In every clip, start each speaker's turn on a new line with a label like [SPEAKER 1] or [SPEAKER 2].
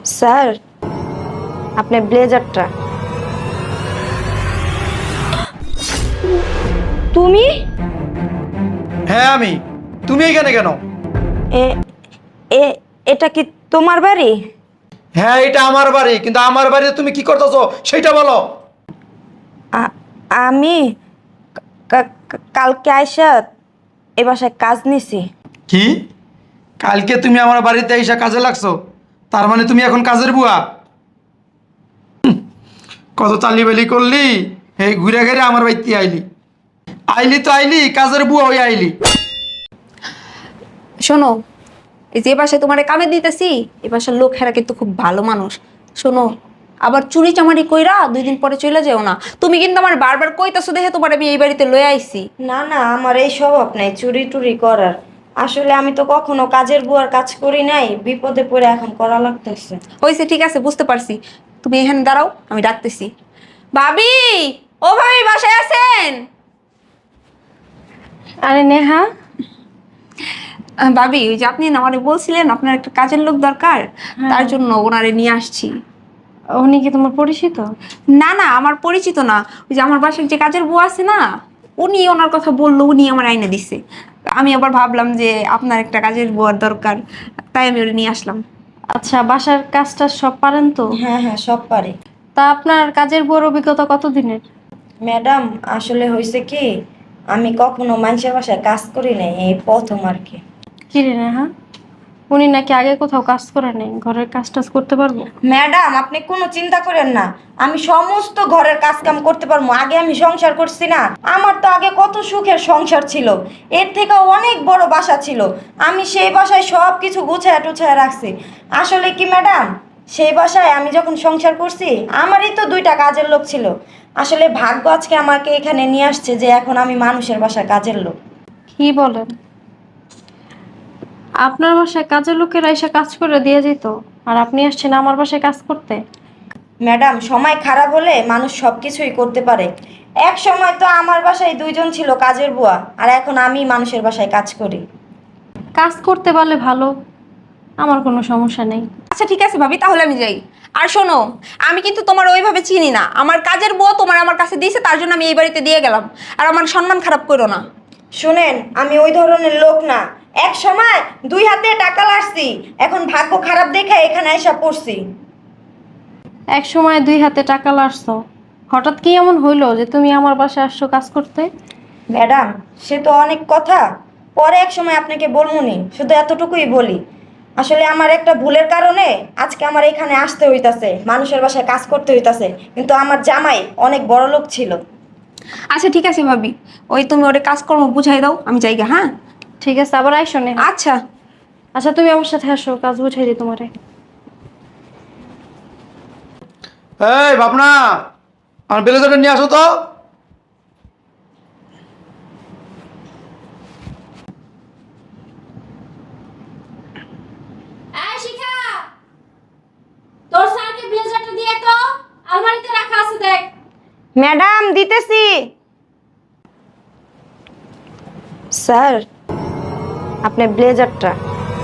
[SPEAKER 1] Sir, আপনার ব্লেজারটা। তুমি
[SPEAKER 2] হ্যাঁ আমি। তুমি এখানে কেন?
[SPEAKER 1] এ এ এটা কি তোমার বাড়ি?
[SPEAKER 2] হ্যাঁ এটা আমার বাড়ি, কিন্তু আমার বাড়িতে তুমি কি করতেছো সেটা বলো।
[SPEAKER 1] আ- আমি কালকে আইসা এ বাসায় কাজ নিছি।
[SPEAKER 2] কি? কালকে তুমি আমার বাড়িতে এসে কাজে লাগছো? তার মানে তুমি এখন কাজের বুয়া? কত তালিবালি করলি, এই ঘুরে ঘুরে আমার বাড়িতে আইলি। আইলি তো আইলি, কাজের বুয়া হয়ে আইলি।
[SPEAKER 3] শোনো, এই যে বাসায় তোমার কামে দিতেছি, এ বাসার লোকেরা কিন্তু খুব ভালো মানুষ। শোনো, আবার চুরি চামারি কইরা 2 দিন পরে চলে যেও না। তুমি কিন্তু আমার বারবার কইতাছো দেখে তোমার আমি এই বাড়িতে লয়ে আইছি।
[SPEAKER 1] না না, আমার এই স্বভাব নাই চুরি টুরি করার। আসলে আমি তো কখনো কাজের বুয়ার কাজ করি নাই, বিপদে পড়ে এখন করা লাগতেছে।
[SPEAKER 3] হইছে, ঠিক আছে, বুঝতে পারছি। তুমি এখানে দাঁড়াও, আমি ডাকতেছি। ভাবি, ও ভাবি, বাসায় আছেন?
[SPEAKER 1] আরে নেহা,
[SPEAKER 3] ভাবি, ওই যে আপনি না মানে বলছিলেন আপনার একটা কাজের লোক দরকার, তার জন্য ওনারে নিয়ে আসছি।
[SPEAKER 1] উনি কি তোমার পরিচিত?
[SPEAKER 3] না না, আমার পরিচিত না। ওই যে আমার বাসার যে কাজের বউ আছে না, উনি ওনার কথা বললো, উনি আমার আইনে দিচ্ছে। আমি আবার ভাবলাম যে আপনার একটা কাজের বুয়ার দরকার, তাই আমি ওরে নিয়ে আসলাম।
[SPEAKER 4] আচ্ছা, বাসার কাজটা সব পারেন তো?
[SPEAKER 1] হ্যাঁ হ্যাঁ, সব পারি।
[SPEAKER 4] তা আপনার কাজের বুয়ার অভিজ্ঞতা কতদিনের?
[SPEAKER 1] ম্যাডাম, আসলে হয়েছে কি, আমি কখনো মানুষের বাসায় কাজ করি নাই, এই প্রথম আর কি।
[SPEAKER 4] কি রে নেহা, উনি নাকি আগে কোথাও কাজ করে নাই, ঘরের কাজ টাজ করতে পারবো?
[SPEAKER 1] ম্যাডাম, আপনি কোনো চিন্তা করেন না, আমি সমস্ত ঘরের কাজ কাম করতে পারবো। আগে আমি সংসার করছি না, আমার তো আগে কত সুখের সংসার ছিল, এর থেকে অনেক বড় বাসা ছিল। আমি সেই বাসায় সব কিছু গুছায় টুছায় রাখছি। আসলে কি ম্যাডাম, সেই বাসায় আমি যখন সংসার করছি, আমারই তো 2টা কাজের লোক ছিল। আসলে ভাগ্য আজকে আমাকে এখানে নিয়ে আসছে যে এখন আমি মানুষের বাসায় কাজের লোক।
[SPEAKER 4] কি বলেন? আপনার বাসায় কাজের লোকেরা এসে কাজ করে দিয়ে যেত, আর আপনি আসছেন আমার বাসায় কাজ করতে?
[SPEAKER 1] ম্যাডাম, সময় খারাপ হলে মানুষ সব কিছুই করতে পারে। এক সময় তো আমার বাসায় 2জন ছিল কাজের বুয়া, আর এখন আমি মানুষের বাসায় কাজ করি।
[SPEAKER 4] কাজ করতে পারলে ভালো, আমার কোনো সমস্যা নেই।
[SPEAKER 3] আচ্ছা ঠিক আছে ভাবি, তাহলে আমি যাই। আর শোনো, আমি কিন্তু তোমার ওইভাবে চিনি না, আমার কাজের বউ তোমার আমার কাছে দিয়েছে, তার জন্য আমি এই বাড়িতে দিয়ে গেলাম। আর আমার সম্মান খারাপ করো না।
[SPEAKER 1] শুনেন, আমি ওই ধরনের লোক না। এক সময় 2 হাতে টাকা লাড়ছি, এখন ভাগ্য খারাপ দেখে এখানে এসে পড়ছি।
[SPEAKER 4] এক সময় 2 হাতে টাকা লাড়ছো, হঠাৎ কি এমন হইলো যে তুমি আমার বাসায় আসছো কাজ করতে?
[SPEAKER 1] ম্যাডাম, সে তো অনেক কথা, পরে এক সময় আপনাকে বলবনি, শুধু এতটুকুই বলি। আসলে আমার একটা ভুলের কারণে আজকে আমার এখানে আসতে হইতাছে, মানুষের বাসায় কাজ করতে হইতাছে, কিন্তু আমার জামাই অনেক বড় লোক ছিল।
[SPEAKER 3] আচ্ছা ঠিক আছে ভাবি, ওই তুমি ওরে কাজকর্ম বুঝাই দাও, আমি যাইগা, হ্যাঁ?
[SPEAKER 4] ঠিক আছে, আবার আইসো নেহা।
[SPEAKER 3] আচ্ছা।
[SPEAKER 4] আচ্ছা, তুমি আমার সাথে আসো, কাজ বুঝাই দিই তোমারে।
[SPEAKER 2] এই ভাবনা, আমার ব্লেজারটা নিয়ে আসো তো।
[SPEAKER 5] এই শিখা, তোর স্যারকে ব্লেজারটা দিয়ে তো, আলমারিতে রাখা আছে দেখ।
[SPEAKER 1] ম্যাডাম, দিতেছি। স্যার, আপনার ব্লেজারটা।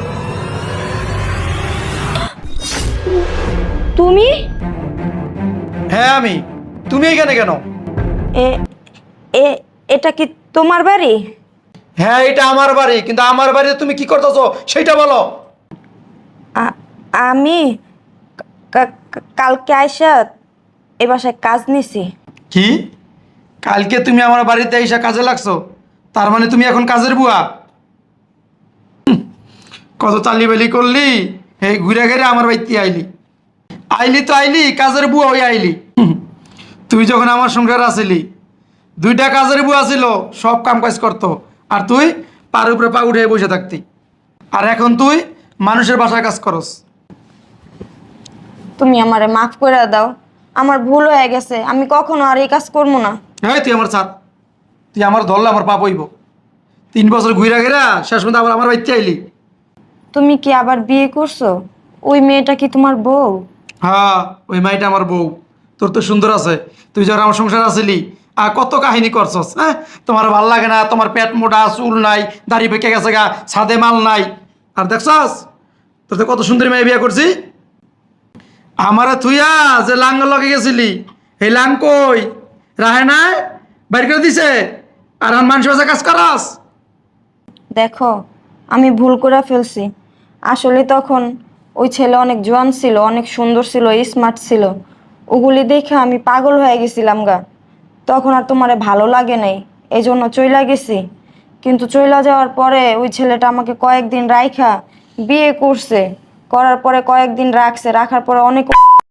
[SPEAKER 1] তুমি
[SPEAKER 2] হ্যাঁ আমি। তুমি এখানে কেন?
[SPEAKER 1] এ এ এটা কি তোমার বাড়ি?
[SPEAKER 2] হ্যাঁ এটা আমার বাড়ি, কিন্তু আমার বাড়িতে তুমি কি করতেছো সেটা বলো।
[SPEAKER 1] আমি কালকে আইসা এ বাসায় কাজ নিছি।
[SPEAKER 2] কি? কালকে তুমি আমার বাড়িতে এসে কাজে লাগছো? তার মানে তুমি এখন কাজের বুয়া? কত তালিবালি করলি, এই ঘুরে ঘুরে আমার বাড়িতে আইলি। আইলি তো আইলি, কাজের বুয়া হয়ে আইলি। তুই যখন আমার সংসার আসিলি, 2টা কাজের বুয়া ছিল, সব কাম কাজ করতো, আর তুই পার উপরে পা উঠে বসে থাকতি। আর এখন তুই মানুষের বাসায় কাজ করস।
[SPEAKER 1] তুমি আমারে মাফ করে দাও, আমার ভুল হয়ে গেছে, আমি কখনো আর এই কাজ করবো না।
[SPEAKER 2] হ্যাঁ তুই আমার ছাড়, তুই আমার ধরলে আমার পাপ হইব। 3 বছর ঘুরে ঘেরা শেষ পর্যন্ত আবার আমার বাড়িতে আইলি।
[SPEAKER 1] তুমি কি আবার বিয়ে করছো? ওই মেয়েটা কি তোমার বউ?
[SPEAKER 2] হ্যাঁ, ওই মাইটা আমার বউ। তোর তো সুন্দর আছে, তুই যখন আমার সংসার আসিলি আর কত কাহিনী করছস। হ্যাঁ, তোমার ভাল লাগে না, তোমার পেট মোটা, চুল নাই, দাড়ি পেকে গেছে গা, ছাদে মাল নাই। আর দেখছস, তোর তো কত সুন্দরী মেয়ে বিয়ে করছি। আমারে থুইয়া যে লাঙ্গ লগে গেছিলি এই লাং কই রাহে নাই বাইর করে দিছে আর এখন মানুষ বাসা কাজ করাস।
[SPEAKER 1] দেখো আমি ভুল করে ফেলছি। আসলে তখন ওই ছেলে অনেক জোয়ান ছিল, অনেক সুন্দর ছিল, স্মার্ট ছিল। ওগুলি দেখে আমি পাগল হয়ে গেছিলাম গা। তখন আর তোমারে ভালো লাগে নাই, এই জন্য চইলা গেছি। কিন্তু চইলা যাওয়ার পরে ওই ছেলেটা আমাকে কয়েকদিন রাইখা বিয়ে করছে। করার পরে কয়েকদিন রাখছে, রাখার পরে অনেক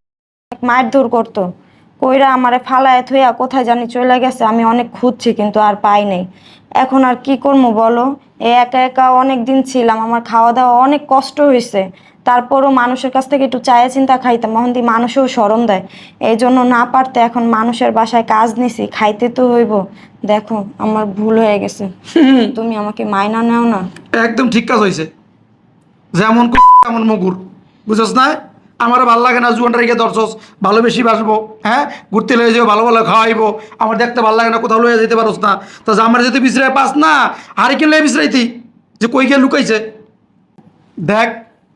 [SPEAKER 1] মারধর করতো। কইরা আমারে ফালায় থইয়া কোথায় জানি চলে গেছে। আমি অনেক খুঁজছি কিন্তু আর পাই নাই। এখন আর কি করবো বলো? এই একা একা অনেক দিন ছিলাম, আমার খাওয়া দাওয়া অনেক কষ্ট হয়েছে। তারপরও মানুষের কাছ থেকে একটু চায়া চিন্তা খাইতাম, এখন দিয়ে মানুষও শরম দেয়। এই জন্য না পারতে এখন মানুষের বাসায় কাজ নিছি, খাইতে তো হইব। দেখো আমার ভুল হয়ে গেছে, তুমি আমাকে মাইনা নেও না।
[SPEAKER 2] একদম ঠিক কাজ হয়েছে, যেমন তেমন মগুর, বুঝছস না? আমারও ভালো লাগে না জুয়ানটা রেখে দর্শস, ভালো বেশি বাসবো, হ্যাঁ ঘুরতে লয়ে যাবো, ভালো ভালো খাওয়াইবো, আমার দেখতে ভালো লাগে না, কোথাও লয়ে যেতে পারোস না। তা আমার যেতে বিছরাই পাস না, হারি কিনলে বিছরাইতি যে কই গিয়ে লুকাইছে। দেখ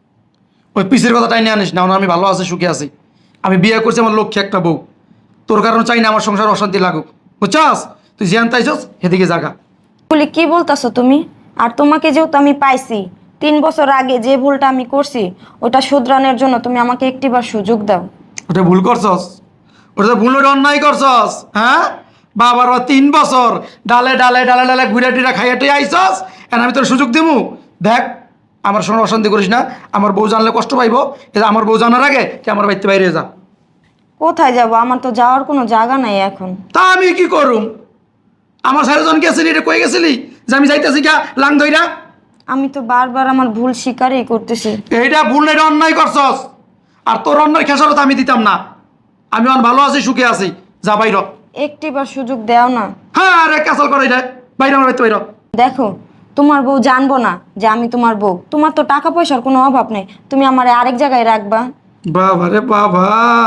[SPEAKER 2] ওই পিসের কথা টাইনে আনিস না, আমি ভালো আছি, সুখে আছি। আমি বিয়ে করছি, আমার লক্ষ্যে একটা বউ। তোর কারণে চাই না আমার সংসার অশান্তি লাগুক, বুঝছস? তুই জিয়ান তাইছস সেদিকে জাগা।
[SPEAKER 1] বলি কি বলতাছো তুমি? আর তোমাকে যেহেতু আমি পাইছি 3 বছর আগে, যে ভুলটা আমি করছি ওটা শুধরানোর জন্য তুমি আমাকে একটিবার সুযোগ দাও।
[SPEAKER 2] ওটা ভুল করছস, ওটা ভুল, ওটা অন্যায় করছস। হ্যাঁ বাবার 3 বছর ডালে ডালে ডালে ডালে ঘুরে টুরে খাইয়ে টুই আইসস, এখন আমি তোর সুযোগ দিমু? দেখ আমার সঙ্গে অশান্তি করিস না, আমার বউ জানলে কষ্ট পাইব। এটা আমার বউ জানার আগে তুই আমার বাড়িতে বাইরে যা।
[SPEAKER 1] কোথায় যাব? আমার তো যাওয়ার কোনো জায়গা নাই এখন।
[SPEAKER 2] তা আমি কি করুম? আমার সারাজন গেছিলি, এটা কই গেছিলি যে আমি যাইতেছি গা লাং ধইরা?
[SPEAKER 1] আমি তো বারবার আমার ভুল স্বীকারই করতেছি।
[SPEAKER 2] এইটা ভুল না, এটা অন্যায় করছস। আর তোর অন্যায় খেসারত আমি দিতাম না। আমি অন ভালো আছি, সুখে আছি, যা বাইর।
[SPEAKER 1] একটিবার সুযোগ দাও না।
[SPEAKER 2] হ্যাঁ আরে ক্যাসল করাই দেয়, বাইরে আমার বাড়িতে বাইর।
[SPEAKER 1] দেখো তোমার বউ জানবো না যে আমি তোমার বউ। তোমার তো টাকা পয়সার কোনো অভাব নেই, তুমি আমার আরেক জায়গায় রাখবা।
[SPEAKER 2] বাবা রে বাবা,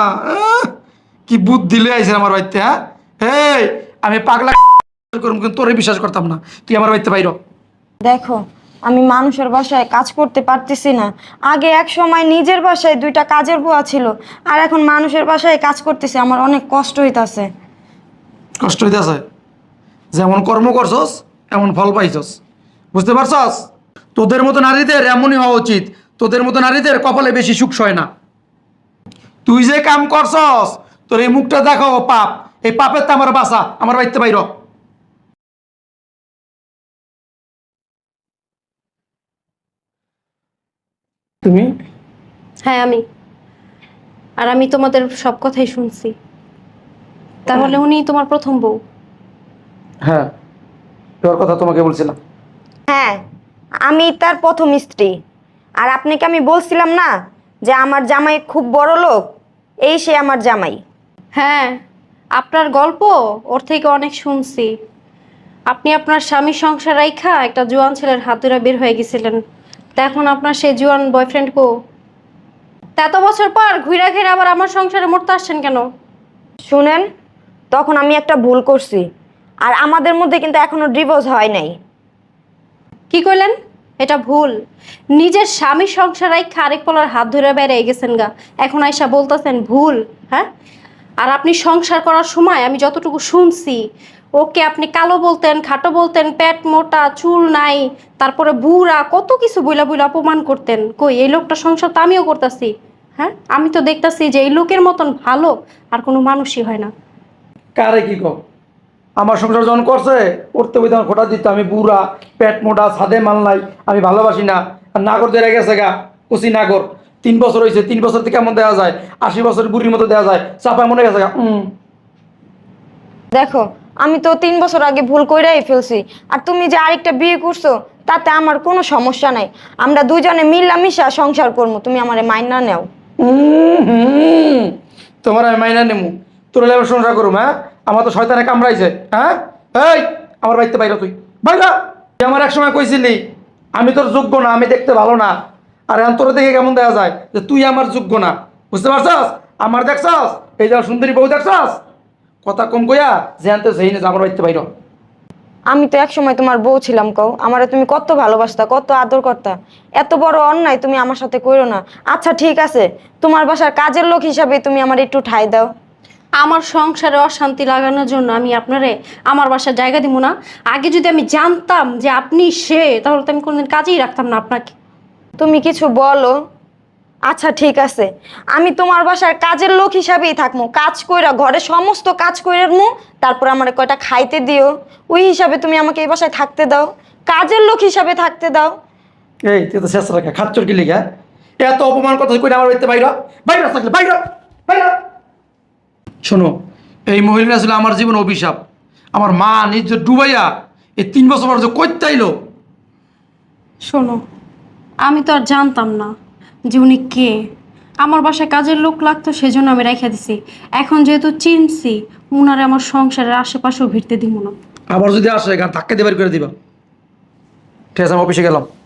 [SPEAKER 2] কি বুদ্ধি লয়ে আইছেন আমার বাড়িতে। হ্যাঁ এই আমি পাগলা করুম, কিন্তু তোরে বিশ্বাস করতাম না। তুই আমার বাড়িতে বাইর।
[SPEAKER 1] দেখো আমি মানুষের বাসায় কাজ করতে পারতেছি না। আগে এক সময় নিজের বাসায় 2টা কাজের বুয়া ছিল, আর এখন মানুষের বাসায় কাজ করতেছি, আমার অনেক কষ্ট হইতাছে।
[SPEAKER 2] কষ্ট হইতেছে? যেমন কর্ম করছস এমন ফল পাইছস, বুঝতে পারছস? তোদের মতো নারীদের এমনই হওয়া উচিত। তোদের মতো নারীদের কপালে বেশি সুখ সয় না। তুই যে কাম করছস, তোর এই মুখটা দেখো পাপ, এই পাপের তো আমার বাসা, আমার বাড়িতে বাইর। তুমি?
[SPEAKER 4] হ্যাঁ আমি। আর আমি তোমাদের সব কথাই শুনছি। তাহলে উনি তোমার প্রথম বউ?
[SPEAKER 2] হ্যাঁ, তোর কথা তোমাকে বলছিলাম।
[SPEAKER 1] হ্যাঁ আমি তার প্রথম স্ত্রী। আর আপনাকে আমি বলছিলাম না যে আমার জামাই খুব বড় লোক, এই সে আমার জামাই।
[SPEAKER 4] হ্যাঁ, আপনার গল্প ওর থেকে অনেক শুনছি। আপনি আপনার স্বামীর সংসার রাইখা একটা জোয়ান ছেলের হাত ধরে বের হয়ে গেছিলেন। তা এখন আপনার সেই জোয়ান বয়ফ্রেন্ড কো? তা এত বছর পর ঘুরে ঘিরে আবার আমার সংসারে মরতে আসছেন কেন?
[SPEAKER 1] শুনেন, তখন আমি একটা ভুল করছি, আর আমাদের মধ্যে কিন্তু এখনো ডিভোর্স হয় নাই।
[SPEAKER 4] কি কইলেন? এটা ভুল। নিজের স্বামী সংসার রাইখা আরেক পোলার হাত ধরে বেড়ে গেছেন গা, এখন আইসা বলতেছেন ভুল? হ্যাঁ, আর আপনি সংসার করার সময় আমি যতটুকু শুনছি, ওকে আপনি কালো বলতেন, খাটো বলতেন, পেট মোটা, চুল নাই, তারপরে বুড়া, কত কিছু বইলা বইলা অপমান করতেন। কই এই লোকটা সংসার তো আমিও করতেছি। হ্যাঁ, আমি তো দেখতাছি যে এই লোকের মতন ভালো আর কোনো মানুষই হয় না।
[SPEAKER 2] কারে কি কম? আমার সংসার যখন করছে, করতে বই তখন খোটা দিত আমি বুড়া, পেট মোটা, ছাদে মাল নাই, আমি ভালোবাসি না। আর নাগর দেয়া গেছে গা, কুচি নাগর। 3 বছর হয়েছে, 3 বছর থেকে কেমন দেওয়া যায়? 80 বছর বুড়ির মতো দেওয়া যায়, চাপা মনে গেছে গা।
[SPEAKER 1] দেখো আমি তো 3 বছর আগে ভুল কইরাই ফেলছি। আর তুমি যে আরেকটা বিয়ে করছো তাতে আমার কোনো সমস্যা নাই, আমরা দুজনে মিলামিশা সংসার করবো, তুমি আমারে মাইনা নেও।
[SPEAKER 2] তোমার আমি মাইনা নেমু, তোর লেবার সংসার করুম। হ্যাঁ, আমার তো শয়তানে কামড়াইছে। হ্যাঁ এই আমার বাড়িতে বাইরে, তুই বাইরা। তুই আমার এক সময় কইছিলি আমি তোর যোগ্য না, আমি দেখতে ভালো না। আর এখন তোর দেখে কেমন দেখা যায় যে তুই আমার যোগ্য না, বুঝতে পারছস? আমার দেখছস এই যে সুন্দরী বউ দেখছস, কথা কম কইয়া যে আনতে সেই না, আমার বাড়িতে বাইর।
[SPEAKER 1] আমি তো একসময় তোমার বউ ছিলাম কও, আমারে তুমি কত ভালোবাসতা, কত আদর করতা। এত বড় অন্যায় তুমি আমার সাথে করো না। আচ্ছা ঠিক আছে, তোমার বাসার কাজের লোক হিসাবে তুমি আমার একটু ঠাঁই দাও।
[SPEAKER 4] আমার সংসারে অশান্তি লাগানোর জন্য আমি আপনারে আমার বাসার জায়গা দিব না? আগে যদি আমি জানতাম যে আপনি সে, তাহলে তো আমি কোনোদিন কাজেই রাখতাম না আপনাকে।
[SPEAKER 1] তুমি কিছু বলো। আচ্ছা ঠিক আছে, আমি তোমার বাসার কাজের লোক হিসাবেই থাকবো, কাজ কইরা ঘরে সমস্ত কাজ কইরা মু, তারপর আমার কয়টা খাইতে দিও, ওই হিসাবে তুমি আমাকে এই বাসায় থাকতে দাও, কাজের লোক হিসাবে থাকতে দাও।
[SPEAKER 2] এই তুই তো শেষ রাখা খাচ্চর কি লিখা? এত অপমান কথা কই আমার বাড়িতে বাইরা বাইরা থাকলে বাইরা বাইরা। শোনো, এই মহিলাটা ছিল আমার জীবন অভিশাপ। আমার মা নিজ ডুবাইয়া এই 3 বছর পর যে কইতে আইলো।
[SPEAKER 4] শোনো, আমি তো আর জানতাম না যে উনি কে। আমার বাসায় কাজের লোক লাগতো, সেজন্য আমি রেখে দিছি। এখন যেহেতু চিনছি, উনারে আমার সংসারের আশেপাশেও ভিড়তে দিব না।
[SPEAKER 2] আবার যদি আসে গান ধাক্কা দিয়ে বের করে দিবা। ঠিক আছে, আমি অফিসে গেলাম।